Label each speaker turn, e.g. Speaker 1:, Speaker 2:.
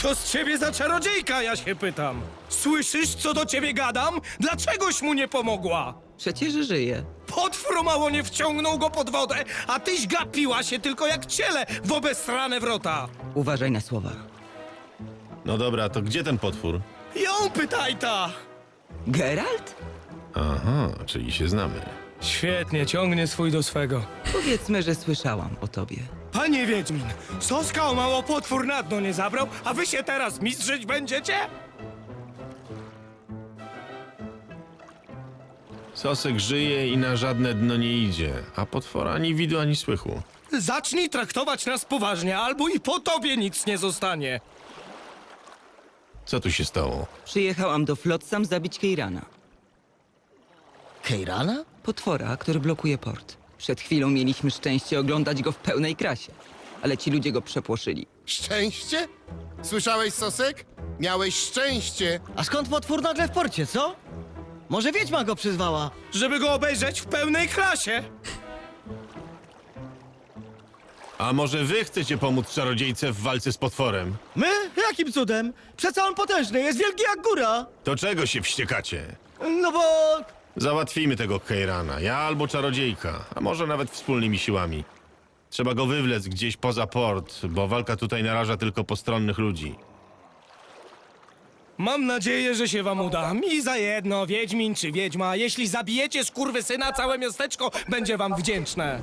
Speaker 1: Co z ciebie za czarodziejka, ja się pytam? Słyszysz, co do ciebie gadam? Dlaczegoś mu nie pomogła?
Speaker 2: Przecież żyje.
Speaker 1: Potwór mało nie wciągnął go pod wodę, a tyś gapiła się tylko jak ciele w obesrane wrota.
Speaker 2: Uważaj na słowa.
Speaker 3: No dobra, to gdzie ten potwór?
Speaker 1: Ją pytaj ta!
Speaker 2: Geralt?
Speaker 3: Aha, czyli się znamy.
Speaker 1: Świetnie, ciągnie swój do swego.
Speaker 2: Powiedzmy, że słyszałam o tobie.
Speaker 1: Panie Wiedźmin, Soska o mało potwór na dno nie zabrał, a wy się teraz mistrzyć będziecie?
Speaker 3: Sosek żyje i na żadne dno nie idzie, a potwora ani widu, ani słychu.
Speaker 1: Zacznij traktować nas poważnie, albo i po tobie nic nie zostanie.
Speaker 3: Co tu się stało?
Speaker 2: Przyjechałam do Flotsam zabić Keirana.
Speaker 4: Keirana?
Speaker 2: Potwora, który blokuje port. Przed chwilą mieliśmy szczęście oglądać go w pełnej krasie. Ale ci ludzie go przepłoszyli.
Speaker 5: Szczęście? Słyszałeś, Sosek? Miałeś szczęście.
Speaker 4: A skąd potwór nagle w porcie, co? Może wiedźma go przyzwała?
Speaker 1: Żeby go obejrzeć w pełnej klasie.
Speaker 3: A może wy chcecie pomóc czarodziejce w walce z potworem?
Speaker 4: My? Jakim cudem? Przecież on potężny, jest wielki jak góra.
Speaker 3: To czego się wściekacie?
Speaker 4: No bo...
Speaker 3: Załatwimy tego Keirana, ja albo czarodziejka, a może nawet wspólnymi siłami. Trzeba go wywlec gdzieś poza port, bo walka tutaj naraża tylko postronnych ludzi.
Speaker 1: Mam nadzieję, że się wam uda. Mi za jedno, Wiedźmin czy Wiedźma. Jeśli zabijecie skurwysyna, całe miasteczko będzie wam wdzięczne.